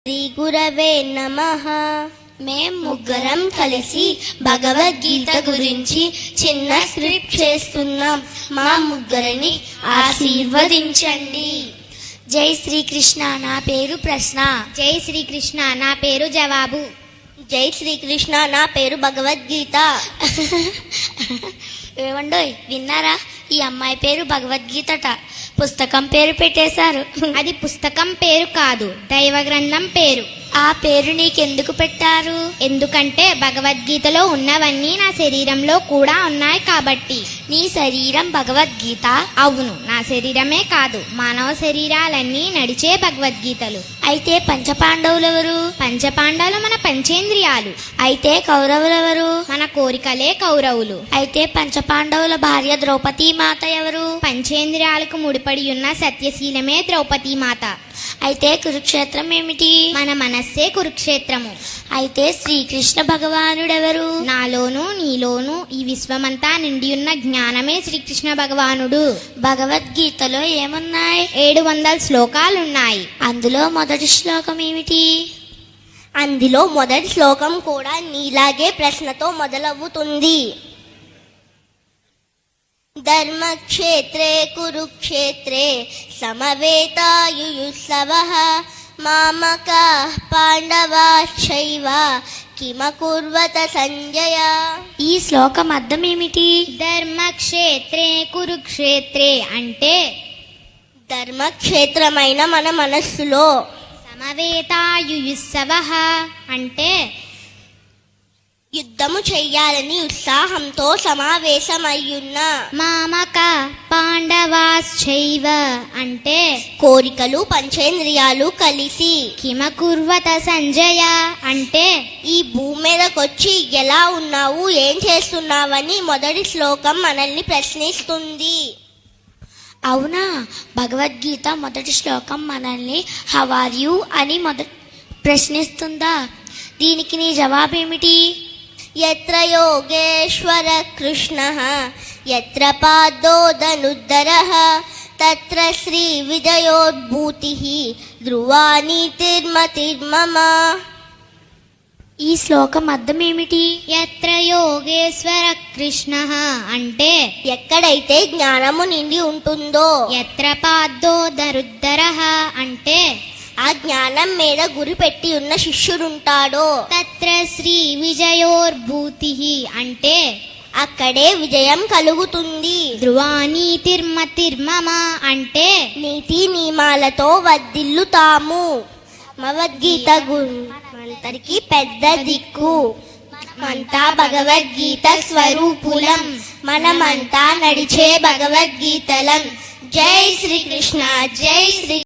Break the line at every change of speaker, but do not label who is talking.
శ్రీ గురవే నమః. మేం ముగ్గురం కలిసి భగవద్గీత గురించి చిన్న స్క్రిప్ట్ చేస్తున్నాం. మా ముగ్గురిని ఆశీర్వదించండి.
జై శ్రీకృష్ణ. నా పేరు ప్రశ్న.
జై శ్రీకృష్ణ. నా పేరు జవాబు.
జై శ్రీకృష్ణ. నా పేరు భగవద్గీత.
ఏమండోయ్, విన్నారా? ఈ అమ్మాయి పేరు భగవద్గీతట. పుస్తకం పేరు పెట్టేశారు.
అది పుస్తకం పేరు కాదు, దైవ గ్రంథం పేరు.
ఆ పేరు నీకెందుకు పెట్టారు?
ఎందుకంటే భగవద్గీతలో ఉన్నవన్నీ నా శరీరంలో కూడా ఉన్నాయి కాబట్టి.
నీ శరీరం భగవద్గీత?
అవును, నా శరీరమే కాదు, మానవ శరీరాలన్నీ నడిచే భగవద్గీతలు.
అయితే పంచపాండవులెవరు?
పంచపాండవులు మన పంచేంద్రియాలు.
అయితే కౌరవులెవరు?
మన కోరికలే కౌరవులు.
అయితే పంచపాండవుల భార్య ద్రౌపదీ మాత ఎవరు?
పంచేంద్రియాలకు ముడిపడి ఉన్న సత్యశీలమే ద్రౌపదీ మాత.
అయితే కురుక్షేత్రం ఏమిటి?
మన మనస్సే కురుక్షేత్రము.
అయితే శ్రీకృష్ణ భగవానుడెవరు?
నాలోను నీలోను ఈ విశ్వమంతా నిండి ఉన్న జ్ఞానమే శ్రీకృష్ణ భగవానుడు.
భగవద్గీతలో ఏమున్నాయి?
700 శ్లోకాలున్నాయి.
అందులో మొదటి శ్లోకం ఏమిటి?
అందులో మొదటి శ్లోకం కూడా నీలాగే ప్రశ్నతో మొదలవుతుంది. ధర్మక్షేత్రే కురుక్షేత్రే సమవేతాయుయుత్సవః మామకాః పాండవాశ్చైవ కిమకుర్వత సంజయ.
ఈ శ్లోకం అర్థం ఏమిటి?
ధర్మక్షేత్రే కురుక్షేత్రే అంటే
ధర్మక్షేత్రమైన మన మనస్సులో,
సమవేతాయుయుత్సవః అంటే
యుద్ధము చెయ్యాలని ఉత్సాహంతో సమావేశమయ్యున్న,
మామక పాండవాశ్చైవ అంటే
కోరికలు పంచేంద్రియాలు కలిసి,
కిమకుర్వత సంజయ అంటే
ఈ భూమి మీదకొచ్చి ఎలా ఉన్నావు, ఏం చేస్తున్నావని మొదటి శ్లోకం మనల్ని ప్రశ్నిస్తుంది.
అవునా? భగవద్గీత మొదటి శ్లోకం మనల్ని హౌ ఆర్ యు అని ప్రశ్నిస్తుందా? దీనికి నీ జవాబేమిటి?
యత్ర యోగేశ్వర కృష్ణః యత్ర పాదోదనుద్దరః తత్ర శ్రీ విజయోద్భూతిః ధ్రువా నీతిర్మతిర్మమ.
ఈ శ్లోకం అర్థం ఏమిటి?
యత్ర యోగేశ్వర కృష్ణ అంటే
ఎక్కడైతే జ్ఞానము నిండి ఉంటుందో,
యత్ర పాదో దరుద్దర అంటే
ఆ జ్ఞానం మీద గురి పెట్టి ఉన్న శిష్యుడుంటాడో,
తత్ర శ్రీ విజయోర్భూతి అంటే
అక్కడే విజయం కలుగుతుంది.
ధ్రువానీతిర్మతిర్మమ అంటే
నీతి నియమాలతో వర్ధిల్లుతాము. భగవద్గీత మనందరికీ పెద్ద దిక్కు. మనమంతా భగవద్గీత స్వరూపులం. మనమంతా నడిచే భగవద్గీతలం. జై శ్రీకృష్ణ. జై శ్రీ